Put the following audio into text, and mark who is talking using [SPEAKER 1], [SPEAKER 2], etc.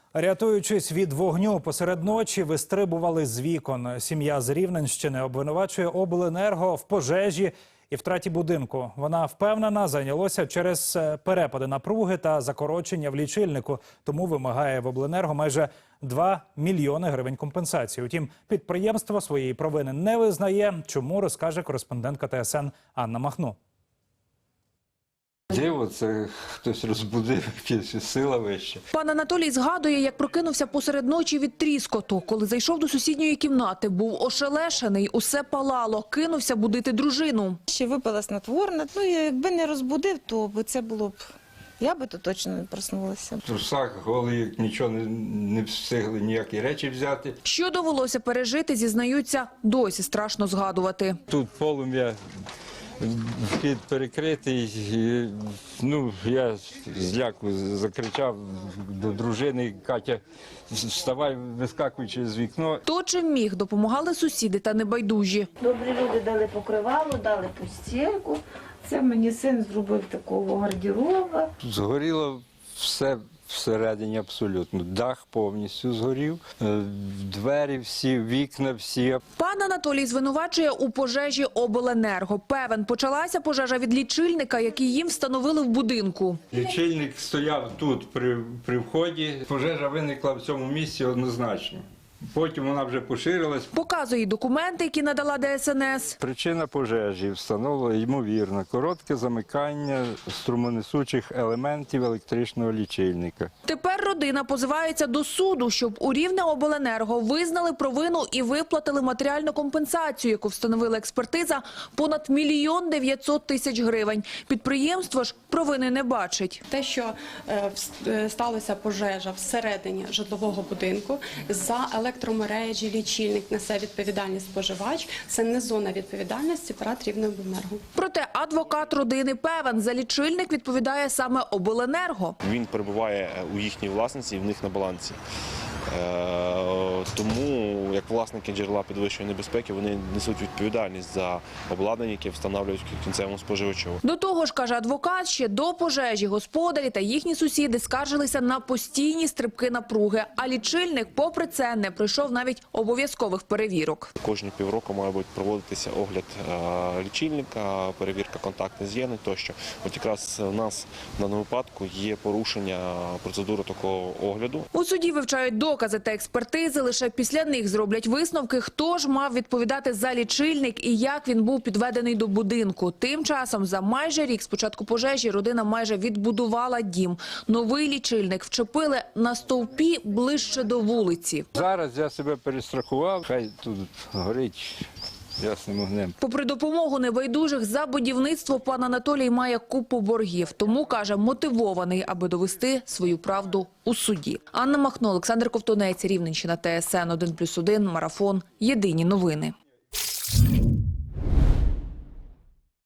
[SPEAKER 1] Рятуючись від вогню, посеред ночі вистрибували з вікон. Сім'я з Рівненщини обвинувачує обленерго в пожежі і втраті будинку. Вона впевнена, зайнялося через перепади напруги та закорочення в лічильнику. Тому вимагає в обленерго майже 2 мільйони гривень компенсації. Утім, підприємство своєї провини не визнає. Чому, розкаже кореспондентка ТСН Анна Махно.
[SPEAKER 2] Диво, це хтось розбудив, якась сила вища.
[SPEAKER 3] Пан Анатолій згадує, як прокинувся посеред ночі від тріскоту. Коли зайшов до сусідньої кімнати, був ошелешений, усе палало, кинувся будити дружину.
[SPEAKER 4] Ще випила снотворне, якби не розбудив, то це було б, я би то точно не проснулася.
[SPEAKER 2] В трусах голий, нічого не встигли, ніякі речі взяти.
[SPEAKER 3] Що довелося пережити, зізнаються, досі страшно згадувати.
[SPEAKER 2] Тут полум'я, вхід перекритий, я зляку закричав до дружини: Катя, вставай, вискакуючи з вікна.
[SPEAKER 3] То, чим міг, допомагали сусіди та небайдужі.
[SPEAKER 4] Добрі люди дали покривало, дали постільку. Це мені син зробив такого гардероба.
[SPEAKER 2] Згоріло все всередині абсолютно. Дах повністю згорів, двері всі, вікна всі.
[SPEAKER 3] Пан Анатолій звинувачує у пожежі обленерго. Певен, почалася пожежа від лічильника, який їм встановили в будинку.
[SPEAKER 2] Лічильник стояв тут при вході. Пожежа виникла в цьому місці однозначно. Потім вона вже поширилась.
[SPEAKER 3] Показує документи, які надала ДСНС.
[SPEAKER 2] Причина пожежі встановлена, ймовірно, коротке замикання струмонесучих елементів електричного лічильника.
[SPEAKER 3] Тепер родина позивається до суду, щоб у Рівнеобленерго визнали провину і виплатили матеріальну компенсацію, яку встановила експертиза, понад 1 900 000 гривень. Підприємство ж провини не бачить.
[SPEAKER 5] Те, що сталася пожежа всередині житлового будинку, за електромережі, лічильник несе відповідальність споживач, це не зона відповідальності ПРАТ Рівнеобленерго.
[SPEAKER 3] Проте адвокат родини певен, за лічильник відповідає саме обленерго.
[SPEAKER 6] Він перебуває у їхній власності і в них на балансі. Тому, як власники джерела підвищеної небезпеки, вони несуть відповідальність за обладнання, яке встановлюють кінцевому споживачу.
[SPEAKER 3] До того ж, каже адвокат, ще до пожежі господарі та їхні сусіди скаржилися на постійні стрибки напруги, а лічильник, попри це, не пройшов навіть обов'язкових перевірок.
[SPEAKER 6] Кожні півроку має проводитися огляд лічильника, перевірка контактних з'єднань тощо. От якраз у нас в даному випадку є порушення процедури такого огляду.
[SPEAKER 3] У суді вивчають докази та експертизи, лише після них зроблять висновки, хто ж мав відповідати за лічильник і як він був підведений до будинку. Тим часом за майже рік з початку пожежі родина майже відбудувала дім. Новий лічильник вчепили на стовпі ближче до вулиці.
[SPEAKER 2] Зараз я себе перестрахував, хай тут горить ясним вогнем.
[SPEAKER 3] Попри допомогу небайдужих, за будівництво пан Анатолій має купу боргів. Тому, каже, мотивований, аби довести свою правду у суді. Анна Махно, Олександр Ковтунець, Рівненщина, ТСН 1+1, Марафон. Єдині новини.